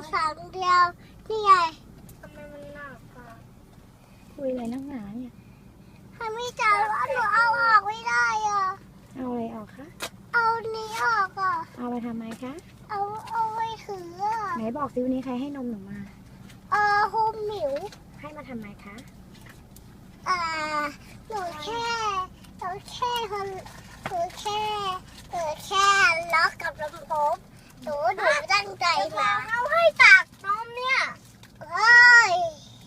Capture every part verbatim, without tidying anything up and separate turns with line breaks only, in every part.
สั่งเดียวนี่ไงทำไมมันหนักอ่ะ
คุยอะไรนักหนาเนี่ย
ทำไม่จ่ายว่าหนูเอาออกไม่ได้อ่ะ
เอาอะไรออกคะ
เอานี้ออกอ่ะ
เอาไปทำไมคะ
เอาเอาไว้ถืออ่ะ
ไหนบอกซิวันนี้ใครให้นมหนูมา
เออฮูมหมิว
ให้มาทำไมคะ
อ่าหนูแค่หนูแค่คนหนูแค่หนูแค่ล็อกกับลำโพงหนูหนูตั้งใจมาเอาให้ตักนมเนี่ยเฮ้ย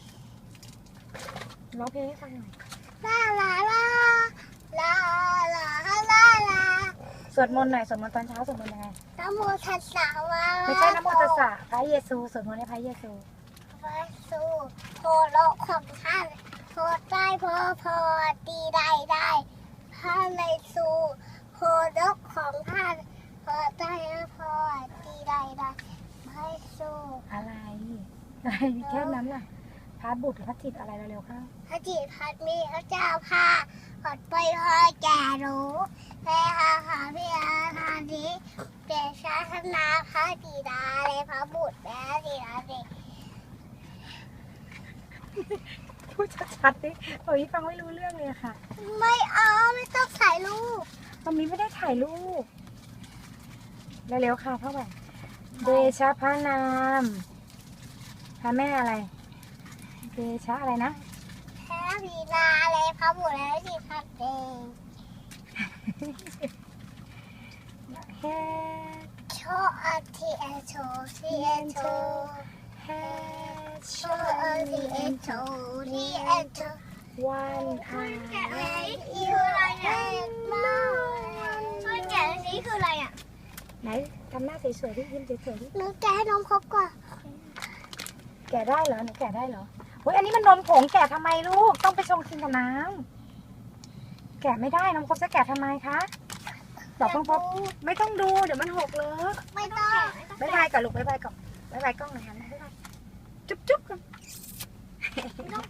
ร้องเพลงให้ฟังหน่อย
ลาลาลาลาลาลาลา
สวดมนต์หน่อยสวดมนต์ตอนเช้าสวดมนต์ยังไง
นะโมตัสสะวะ
ไม่ใช่นะโมตัสสะพระเยซูสวดมนต์ให้พระเยซู
พระสูโพโลกของท่านโพได้พอพอดีได้ได้พระในสูโพโลกของท่านพอได้พอดีได้ได้พระสู
อะไรอะไรแค่นั้นน่ะพระบุตรพระจิตอะไรเร็วๆเข้า
พระจิตพัดมีพระเจ้าพาขอดไปพอแก่รู้แม่หาหาพี่อาหาดีเปลี่ยนชาธนาพระดีดาเลยพระบุตรแม่ดีดาเด็ก
พูดชัดๆดิโอ้ยฟังไม่รู้เรื่องเลยค่ะ
ไม่เอาไม่ต้องถ่ายรูป
ตอนนี้ไม่ได้ถ่ายรูปเร็วๆค่ะเท่าไหร่เดชะพระนามพระแม่อะไรเดชะอะไรนะ
แพ้พีนาเลยพระบุตรและสิพัดเอง
แฮ
โชอาทีเอโชทีเอโช
แฮ
โชอาทีเอโชทีเอโช
วันอา
แกะเลยคืออะไรเนี่ยช่วยแกะนี้คืออะไรอ่ะ
ไหนทำหน้าสวยๆที่ยิ้มสวยๆที่
หนูแกะให้น้องครบก่อน
แกะได้เหรอหนูแกะได้เหรอโอ้ยอันนี้มันนมผงแกะทำไมลูกต้องไปชงกินกับน้ำแกะไม่ได้น้องพบจะแกะทำไมคะบอกน้องพบไม่ต้องดูเดี๋ยวมันหกเลอะ
ไม่ต้อง
บ๊ายบายก่อนลูกบ๊ายบายก่อนบ๊ายบายกล้องหน่อยค่ะบ๊ายบายจุ๊บจุ๊บกัน